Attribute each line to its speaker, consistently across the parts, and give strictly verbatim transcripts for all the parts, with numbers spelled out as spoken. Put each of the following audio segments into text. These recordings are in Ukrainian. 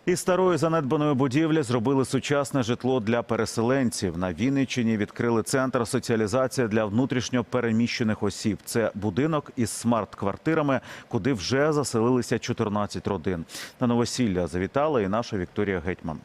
Speaker 1: Із старої занедбаної будівлі зробили сучасне житло для переселенців. На Вінниччині відкрили центр соціалізації для внутрішньо переміщених осіб. Це будинок із смарт-квартирами, куди вже заселилися чотирнадцять родин. На новосілля завітала і наша Вікторія Гетьман.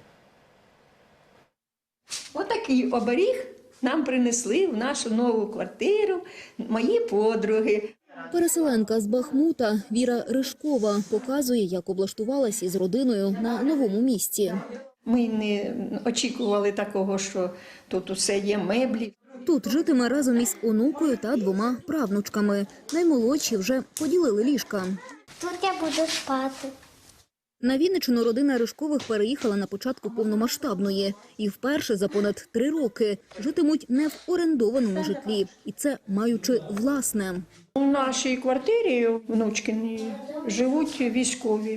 Speaker 2: Отакий оберіг нам принесли в нашу нову квартиру мої подруги.
Speaker 3: Переселенка з Бахмута Віра Ришкова показує, як облаштувалась із родиною на новому місці.
Speaker 2: Ми не очікували такого, що тут усе є, меблі.
Speaker 3: Тут житиме разом із онукою та двома правнучками. Наймолодші вже поділили ліжка.
Speaker 4: Тут я буду спати.
Speaker 3: На Вінниччину родина Ришкових переїхала на початку повномасштабної. І вперше за понад три роки житимуть не в орендованому житлі. І це маючи власне.
Speaker 2: У нашій квартирі внучкині живуть військові,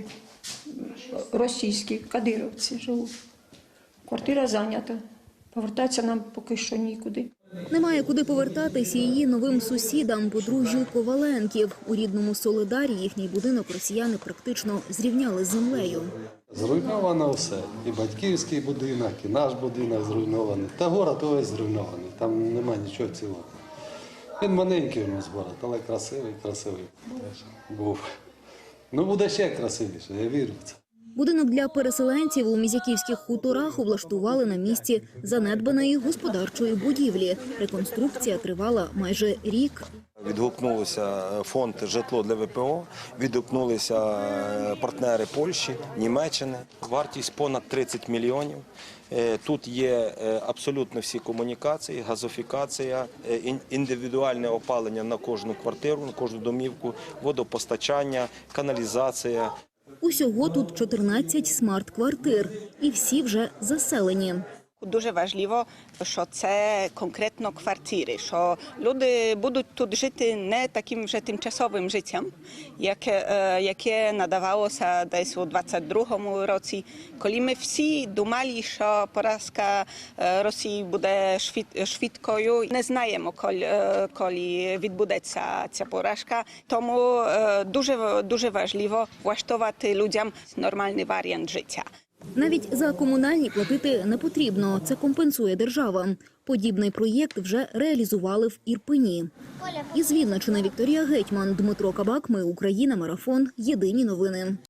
Speaker 2: російські, кадировці живуть. Квартира зайнята. Повертатися нам поки що нікуди.
Speaker 3: Немає куди повертатись і її новим сусідам, подружжю Коваленків. У рідному Солидарі їхній будинок росіяни практично зрівняли з землею.
Speaker 5: Зруйновано все. І батьківський будинок, і наш будинок зруйнований. Та город увесь зруйнований. Там немає нічого цілого. Він маленький у нас город, але красивий, красивий був. Ну, буде ще красивіше, я вірю в це.
Speaker 3: Будинок для переселенців у Мізяківських хуторах облаштували на місці занедбаної господарчої будівлі. Реконструкція тривала майже рік.
Speaker 6: Відгукнулися фонд «Житло для ВПО», відгукнулися партнери Польщі, Німеччини. Вартість понад тридцять мільйонів. Тут є абсолютно всі комунікації, газифікація, індивідуальне опалення на кожну квартиру, на кожну домівку, водопостачання, каналізація.
Speaker 3: Усього тут чотирнадцять смарт-квартир. І всі вже заселені.
Speaker 7: Дуже важливо, що це конкретно квартири, що люди будуть тут жити не таким вже тимчасовим життям, яке, яке надавалося десь у двадцять другому році, коли ми всі думали, що поразка Росії буде швидкою. Не знаємо, коли, коли відбудеться ця поразка, тому дуже, дуже важливо влаштувати людям нормальний варіант життя.
Speaker 3: Навіть за комунальні платити не потрібно. Це компенсує держава. Подібний проєкт вже реалізували в Ірпені. Із Вінниччини Вікторія Гетьман, Дмитро Кабак. Ми Україна. Марафон. Єдині новини.